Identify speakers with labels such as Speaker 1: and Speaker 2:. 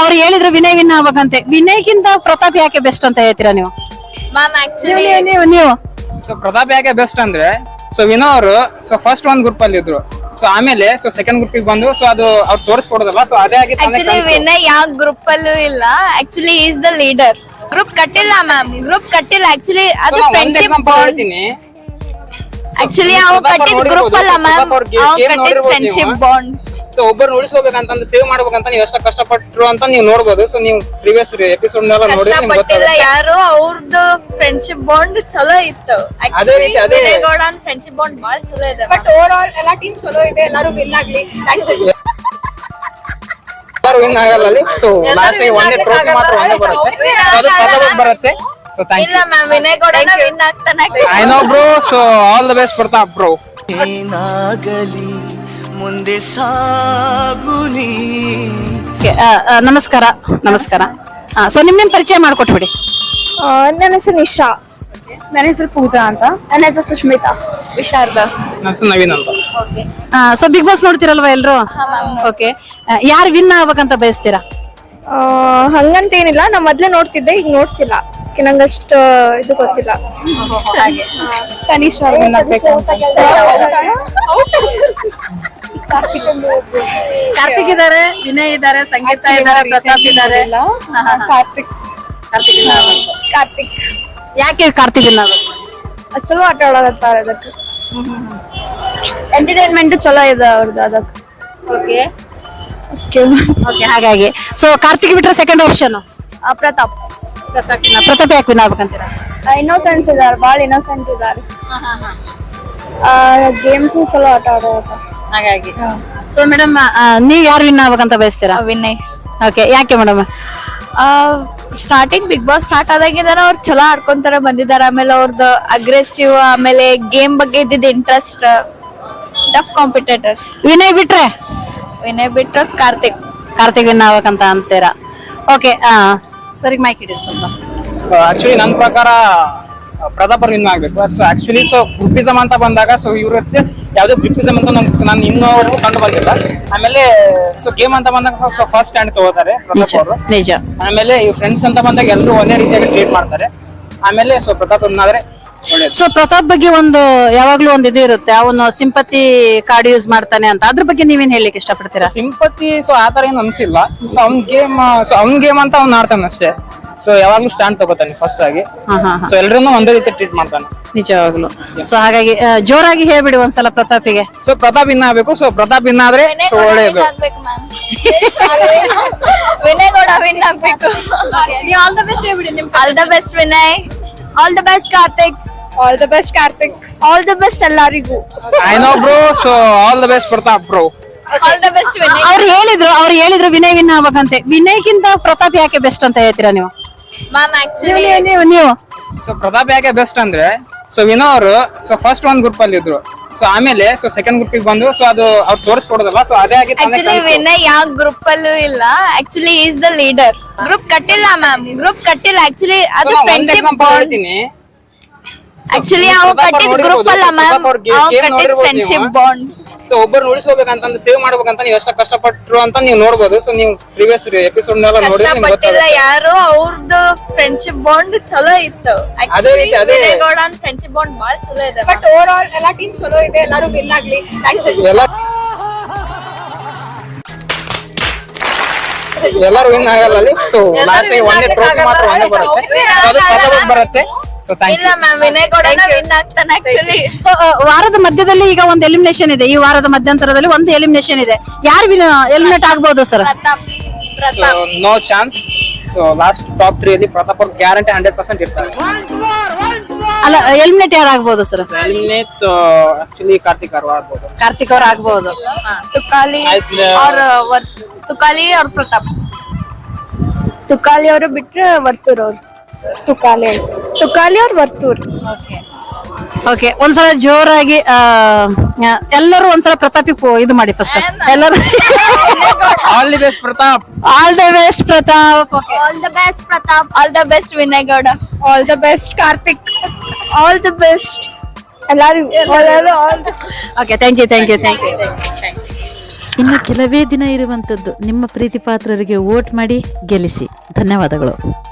Speaker 1: ಅವ್ರು ಹೇಳಿದ್ರು ವಿನಯ್ ವಿನ್ ಆಗ್ಬೇಕಂತೆ. ವಿನಯ್ಗಿಂತ ಪ್ರತಾಪ್ ಯಾಕೆ ಬೆಸ್ಟ್ ಅಂತ ಹೇಳ್ತೀರಾ ನೀವು?
Speaker 2: ಮ್ಯಾಮ್ ಆಕ್ಚುಲಿ
Speaker 1: ನೀವು
Speaker 3: ಸೊ ಪ್ರತಾಪ್ ಯಾಕೆ ಬೆಸ್ಟ್ ಅಂದ್ರೆ, ಸೊ ವಿನೋ ಅವರು ಸೊ ಫಸ್ಟ್ ಒಂದ್ ಗ್ರೂಪ್ ಅಲ್ಲಿ ಇದ್ರು. ಸೊ ಆಮೇಲೆ ಸೊ ಸೆಕೆಂಡ್ ಗ್ರೂಪ್ ಬಂದು ಸೊ ಅದು ಅವ್ರು ತೋರಿಸ್ಕೊಡೋದಲ್ಲ. ಸೊ ಅದೇ ಆಗಿ
Speaker 2: ಆಕ್ಚುಲಿ ವಿನಯ್ ಯಾವ ಗ್ರೂಪ್ ಅಲ್ಲೂ ಇಲ್ಲ. Actually is the leader. Group ಕಟ್ಟಿಲ್ಲ ಮ್ಯಾಮ್, ಗ್ರೂಪ್ ಕಟ್ಟಿಲ್ಲ. ಆಕ್ಚುಲಿ ಅದು ಫ್ರೆಂಡ್ಶಿಪ್ ಬಾಂಡ್.
Speaker 3: ಹೇಳ್ತೀನಿ.
Speaker 2: ಆಕ್ಚುಲಿ ಅವ್ ಕಟ್ಟಿದ್ ಗ್ರೂಪ್ ಅಲ್ಲ ಮ್ಯಾಮ್, ಅವ್ ಕಟ್ಟಿದ್ ಫ್ರೆಂಡ್ಶಿಪ್ ಬಾಂಡ್.
Speaker 3: ಸೊ ಒಬ್ಬರು ಉಳಿಸ್ಕೋಬೇಕಂತಂದ್ರೆ ಸೇವ್ ಮಾಡ್ಬೇಕಂತ ನೀವು ಎಷ್ಟು ಕಷ್ಟಪಟ್ರು ಅಂತ ನೀವು ನೋಡ್ಬೋದು. ಸೊ ನೀವು ಪ್ರೀವಿಯಸ್ ಎಪಿಸೋಡ್ ನೆಲ್ಲ ನೋಡಿ ನಿಮ್ಗೆ
Speaker 2: ಕಷ್ಟಪಟ್ಟಿಲ್ಲ
Speaker 3: ಗೊತ್ತಾಗುತ್ತೆ.
Speaker 2: ಯಾರು, ಅವ್ರದ್ದು ಫ್ರೆಂಡ್ಶಿಪ್ ಬಾಂಡ್ ಚಲೋ ಇತ್ತು.
Speaker 3: ಅದೇ ರೀತಿ ಅದೇ
Speaker 2: ವಿನಯಗೌಡ ಫ್ರೆಂಡ್ಶಿಪ್ ಬಾಂಡ್ ಬಾಳ ಚಲೋ ಇದೆ.
Speaker 4: ಬಟ್ ಓವರ್ ಆಲ್ ಎಲ್ಲಾ ಟೀಮ್ ಚಲೋ ಇದೆ, ಎಲ್ಲರೂ ವಿನ್ ಆಗ್ಲಿ. ಥ್ಯಾಂಕ್ಸ್.
Speaker 3: ಎಲ್ಲರೂ ವಿನ್ ಆಗಲ್ಲ ಅಲ್ಲಿ. ಸೊ ಲಾಸ್ಟ್ ಒಂದೇ ಟ್ರೋಫಿ ಮಾತ್ರ ಒಂದೇ ಬರುತ್ತೆ, ಅದು ಪ್ರತಾಪ್ ಬರುತ್ತೆ. ಸೊ ಥ್ಯಾಂಕ್
Speaker 2: ಇಲ್ಲ ಮ್ಯಾಮ್, ವಿನಯಗೌಡನ ವಿನ್ ಆಗ್ತಾನೆ.
Speaker 3: I know bro. So all the best Pratap bro.
Speaker 5: ಏನಾಗಲಿ ಮುಂದೆ ಸಾಗುನಿ.
Speaker 1: ನಮಸ್ಕಾರ. ನಮಸ್ಕಾರ. ಸೊ ನಿಮ್ ಪರಿಚಯ ಮಾಡ್ಕೊಟ್ಬಿಡಿ.
Speaker 4: ನನ್ನ ಹೆಸರು ನಿಶಾ.
Speaker 1: ನನ್ನ ಹೆಸರು ಪೂಜಾ ಅಂತ.
Speaker 4: ನನ್ನ ಹೆಸರು ಸುಷ್ಮಿತಾ.
Speaker 2: ವಿಶಾರದಾ.
Speaker 3: ನನ್ನ ಹೆಸರು ನವೀನ್ ಅಂತ.
Speaker 1: ಸೊ ಬಿಗ್ ಬಾಸ್ ನೋಡ್ತಿರಲ್ವಾ ಎಲ್ರು? ಓಕೆ, ಯಾರು ವಿನ್ ಆಗ್ಬೇಕಂತ ಬಯಸ್ತೀರಾ?
Speaker 4: ಹಂಗಂತೇನಿಲ್ಲ, ನಾ ಮೊದ್ಲೇ ನೋಡ್ತಿದ್ದೆ, ಈಗ ನೋಡ್ತಿಲ್ಲ. ನಂಗಷ್ಟು ಇದು ಗೊತ್ತಿಲ್ಲ. ತನಿಷ್ ವಿನ್ ಆಗ್ಬೇಕು.
Speaker 1: ಕಾರ್ತಿಕ್ ಇದಾರೆ, ವಿನಯ್ ಇದಾರೆ, ಸಂಗೀತ ಇದಾರೆ, ಪ್ರತಾಪ್ ಇದಾರೆ.
Speaker 4: ಕಾರ್ತಿಕ್
Speaker 1: ಯಾಕೆ ಕಾರ್ತಿಕ್ ವಿನ್ ಆಗ್ಬೇಕು?
Speaker 4: ಚಲೋ ಆಟ ಆಡೋದತ್ತಾರ. ಅದಕ್ಕೆ ಎಂಟರ್ಟೈನ್ಮೆಂಟ್ ಚಲೋ ಇದೆ ಅವ್ರದ್ದು. ಅದಕ್ಕೆ
Speaker 1: ಓಕೆ, ಹಾಗಾಗಿ ಸೊ ಕಾರ್ತಿಕ್ ಬಿಟ್ರೆ ಸೆಕೆಂಡ್ ಆಪ್ಷನ್
Speaker 4: ಪ್ರತಾಪ್.
Speaker 1: ಪ್ರತಾಪ್ ಯಾಕೆ ವಿನ್ ಆಗ್ಬೇಕಂತೀರಾ?
Speaker 4: ಇನ್ನೋಸೆನ್ಸ್ ಇದಾರೆ, ಭಾಳ ಇನ್ನೋಸೆಂಟ್ ಇದಾರೆ. ಗೇಮ್ಸ್ ಚಲೋ ಆಟ ಆಡೋದು.
Speaker 1: ಹಾಗಾಗಿ ಸೊ ಮೇಡಮ್, ನೀವ್ ಯಾರು ವಿನ್ ಆಗ್ಬೇಕಂತ ಬಯಸ್ತೀರಾ?
Speaker 2: ವಿನಯ್.
Speaker 1: ಓಕೆ, ಯಾಕೆ madam?
Speaker 2: Starting Big Boss start ಆದಾಗಿಂದ ಅವ್ರು ಚಲೋ ಆಡ್ಕೊಂತಾರ ಬಂದಿದ್ದಾರೆ. ಆಮೇಲೆ ಅವ್ರದ್ದು ಅಗ್ರೆಸಿವ್, ಆಮೇಲೆ ಗೇಮ್ ಬಗ್ಗೆ ಇದ್ದಿದ್ದ ಇಂಟ್ರೆಸ್ಟ್, ಟಫ್ ಕಾಂಪಿಟೇಟರ್.
Speaker 1: ವಿನಯ್ ಬಿಟ್ರೆ
Speaker 2: ವಿನಯ್ ಬಿಟ್ಟು ಕಾರ್ತಿಕ್
Speaker 1: ವಿನ್ ಆಗ್ಬೇಕಂತ ಅಂತೀರಾ? ಓಕೆ, ಸರಿ, ಮೈಕ್ ಇಡಿ ಸ್ವಲ್ಪ.
Speaker 3: ಆಕ್ಚುಲಿ ನನ್ನ ಪ್ರಕಾರ ಪ್ರತಾಪ್ ವಿನ್ ಆಗ್ಬೇಕು. ಸೊ ಆಕ್ಚುಲಿ ಸೊ ಗ್ರೂಪಿಸಮ್ ಅಂತ ಬಂದಾಗ ಸೊ ಇವ್ರ ಯಾವ್ದೇ ಗ್ರೂಪಿಸಮ್ ಅಂತ ನಾನು ಇನ್ನೂವರೆಗೂ ಕಂಡು ಬಂದಿಲ್ಲ. ಆಮೇಲೆ ಸೊ ಗೇಮ್ ಅಂತ ಬಂದಾಗ ಸೊ ಫಸ್ಟ್ ಸ್ಟ್ಯಾಂಡ್ ತಗೋತಾರೆ ಪ್ರತಾಪ್ ಅವರು.
Speaker 1: ನಿಜ.
Speaker 3: ಆಮೇಲೆ ಈ ಫ್ರೆಂಡ್ಸ್ ಅಂತ ಬಂದಾಗ ಎಲ್ಲರೂ ಒಂದೇ ರೀತಿಯಾಗಿ ಟ್ರೀಟ್ ಮಾಡ್ತಾರೆ. ಆಮೇಲೆ ಸೊ ಪ್ರತಾಪ್ ವಿನ್ ಆದ್ರೆ ಒಳ್ಳೇದು.
Speaker 1: ಸೊ ಪ್ರತಾಪ್ ಬಗ್ಗೆ ಒಂದು ಯಾವಾಗ್ಲೂ ಒಂದು ಇದು ಇರುತ್ತೆ, ಅವನು ಸಿಂಪತಿ ಕಾರ್ಡ್ ಯೂಸ್ ಮಾಡ್ತಾನೆ ಅಂತ. ಅದ್ರ ಬಗ್ಗೆ ನೀವೇನ್ ಹೇಳಲಿಕ್ಕೆ ಇಷ್ಟಪಡ್ತೀರಾ?
Speaker 3: ಸಿಂಪತಿ ಸೊ ಆತರ ಏನು ಅನ್ಸಿಲ್ಲ. ಸೊ ಅವ್ನ್ ಗೇಮ್ ಅಂತ ಅವ್ನ್ ಆಡ್ತಾನೆ ಅಷ್ಟೇ. ಸೊ ಯಾವಾಗ್ಲೂ ಸ್ಟ್ಯಾಂಡ್ ತಗೋತಾನೆ ಫಸ್ಟ್ ಆಗಿ. ಸೊ ಎಲ್ರನ್ನೂ ಒಂದೇ ರೀತಿ ಟ್ರೀಟ್ ಮಾಡ್ತಾನೆ
Speaker 1: ನಿಜವಾಗ್ಲು. ಸೊ ಹಾಗಾಗಿ ಜೋರಾಗಿ ಹೇಳ್ಬಿಡಿ ಒಂದ್ಸಲ ಪ್ರತಾಪಿಗೆ.
Speaker 3: ಸೊ ಪ್ರತಾಪ್ ವಿನ್ ಆಗ್ಬೇಕು. ಸೊ ಪ್ರತಾಪ್ ವಿನ್ ಆದ್ರೆ ಸೊ ಒಳ್ಳೇದು.
Speaker 2: ವಿನಯಗೌಡ ವಿನ್ ಆಗ್ಬೇಕು.
Speaker 1: ಆಲ್ ದ ಬೆಸ್ಟ್ ಹೇಳ್ಬಿಡಿ.
Speaker 2: All the best Vinay.
Speaker 4: All the best Karthik. All the best Karthik. All the best ಎಲ್ಲರಿಗೂ.
Speaker 3: I know bro. So all the best Pratap bro.
Speaker 2: All the best Vinay.
Speaker 1: ಅವ್ರು ಹೇಳಿದ್ರು Vinay win ಆಗ್ಬೇಕಂತೆ. ವಿನಯ್ಗಿಂತ ಪ್ರತಾಪ್ ಯಾಕೆ ಬೆಸ್ಟ್ ಅಂತ ಹೇಳ್ತೀರಾ ನೀವು?
Speaker 2: ಮ್ಯಾಮ್ ಆಕ್ಚುಲಿ
Speaker 1: ನೀವು
Speaker 3: ಸೊ ಪ್ರತಾಪ್ ಯಾಕೆ ಬೆಸ್ಟ್ ಅಂದ್ರೆ, ಸೊ ವಿನೋ ಅವರು ಸೊ ಫಸ್ಟ್ ಒಂದ್ ಗ್ರೂಪ್ ಅಲ್ಲಿ ಇದ್ರು. ಸೊ ಆಮೇಲೆ ಸೊ ಸೆಕೆಂಡ್ ಗ್ರೂಪ್ ಬಂದು ಸೊ ಅದು ಅವ್ರು ತೋರಿಸ್ಕೊಡೋದಲ್ಲ. ಸೊ ಅದೇ ಆಗಿ
Speaker 2: ಆಕ್ಚುಲಿ ವಿನಯ್ ಯಾವ ಗ್ರೂಪ್ ಅಲ್ಲೂ ಇಲ್ಲ. Actually is the leader. Group ಕಟ್ಟಿಲ್ಲ ಮ್ಯಾಮ್, ಗ್ರೂಪ್ ಕಟ್ಟಿಲ್ಲ. ಆಕ್ಚುಲಿ ಅದು ಫ್ರೆಂಡ್ಶಿಪ್ ಬಾಂಡ್.
Speaker 3: ಹೇಳ್ತೀನಿ.
Speaker 2: ಆಕ್ಚುಲಿ ಅವ್ ಕಟ್ಟಿದ್ ಗ್ರೂಪ್ ಅಲ್ಲ ಮ್ಯಾಮ್, ಅವ್ ಕಟ್ಟಿದ್ ಫ್ರೆಂಡ್ಶಿಪ್ ಬಾಂಡ್.
Speaker 3: ಸೊ ಒಬ್ಬರು ಉಳಿಸ್ಕೋಬೇಕಂತಂದ್ರೆ ಸೇವ್ ಮಾಡ್ಬೇಕಂತ ನೀವು ಎಷ್ಟು ಕಷ್ಟಪಟ್ರು ಅಂತ ನೀವು ನೋಡ್ಬೋದು. ಸೊ ನೀವು ಪ್ರೀವಿಯಸ್ ಎಪಿಸೋಡ್ ನೆಲ್ಲ ನೋಡಿ ನಿಮ್ಗೆ
Speaker 2: ಕಷ್ಟಪಟ್ಟಿಲ್ಲ
Speaker 3: ಗೊತ್ತಾಗುತ್ತೆ.
Speaker 2: ಯಾರು, ಅವ್ರದ್ದು ಫ್ರೆಂಡ್ಶಿಪ್ ಬಾಂಡ್ ಚಲೋ ಇತ್ತು.
Speaker 3: ಅದೇ ರೀತಿ ಅದೇ
Speaker 2: ವಿನಯಗೌಡ ಫ್ರೆಂಡ್ಶಿಪ್ ಬಾಂಡ್ ಬಾಳ ಚಲೋ ಇದೆ.
Speaker 4: ಬಟ್ ಓವರ್ ಆಲ್ ಎಲ್ಲಾ ಟೀಮ್ ಚಲೋ ಇದೆ, ಎಲ್ಲರೂ ವಿನ್ ಆಗ್ಲಿ. ಥ್ಯಾಂಕ್ಸ್.
Speaker 3: ಎಲ್ಲರೂ ವಿನ್ ಆಗಲ್ಲ ಅಲ್ಲಿ. ಸೊ ಲಾಸ್ಟ್ ಒಂದೇ ಟ್ರೋಫಿ ಮಾತ್ರ ಒಂದೇ ಬರುತ್ತೆ, ಅದು ಪ್ರತಾಪ್ ಬರುತ್ತೆ. ಸೊ ಥ್ಯಾಂಕ್
Speaker 2: ಇಲ್ಲ ಮ್ಯಾಮ್, ವಿನಯಗೌಡನ ವಿನ್ ಆಗ್ತಾನೆ ಆಕ್ಚುಲಿ.
Speaker 1: ಸೊ ವಾರದ ಮಧ್ಯದಲ್ಲಿ ಈಗ ಒಂದು ಎಲಿಮಿನೇಷನ್ ಇದೆ. ಈ ವಾರದ ಮಧ್ಯಂತರದಲ್ಲಿ ಒಂದು ಎಲಿಮಿನೇಷನ್ ಇದೆ. ಯಾರು ಎಲಿಮಿನೇಟ್ ಆಗ್ಬಹುದು sir?
Speaker 3: So no chance. So last top 3 ಅಲ್ಲಿ ಪ್ರತಾಪ್ ಅವ್ರ ಗ್ಯಾರಂಟಿ 100% ಇರ್ತಾರೆ.
Speaker 1: ಅಲ್ಲ, ಎಲಿಮಿನೇಟ್ ಯಾರು ಆಗ್ಬಹುದು ಸರ್?
Speaker 3: ಎಲಿಮಿನೇಟ್ ಆಕ್ಚುಲಿ ಕಾರ್ತಿಕ್ ಅವ್ರು ಆಗ್ಬೋದು.
Speaker 1: ಕಾರ್ತಿಕ್ ಅವ್ರು ಆಗ್ಬಹುದು.
Speaker 2: ತುಕಾಲಿ ಅವ್ರ ಪ್ರತಾಪ್.
Speaker 4: ತುಕಾಲಿ ಅವರು ಬಿಟ್ರೆ ವರ್ತೂರ್ ಅವ್ರು. ತುಕಾಲಿ ಅವ್ರು ವರ್ತೂರ್.
Speaker 1: ಓಕೆ, ಒಂದ್ಸಲ ಜೋರಾಗಿ ಎಲ್ಲರೂ ಒಂದ್ಸಲ ಪ್ರತಾಪಿ ಇದು ಮಾಡಿ ಫಸ್ಟ್. ಎಲ್ಲರೂ
Speaker 3: all the best Pratap.
Speaker 1: All the best Pratap.
Speaker 4: All the best Pratap.
Speaker 2: All the best Vinay Gowda.
Speaker 4: All the best Karthik. All the best ಎಲ್ಲರೂ.
Speaker 1: Okay, thank you.
Speaker 6: ಇನ್ನು ಕೆಲವೇ ದಿನ ಇರುವಂಥದ್ದು. ನಿಮ್ಮ ಪ್ರೀತಿ ಪಾತ್ರರಿಗೆ ವೋಟ್ ಮಾಡಿ ಗೆಲ್ಲಿಸಿ. ಧನ್ಯವಾದಗಳು.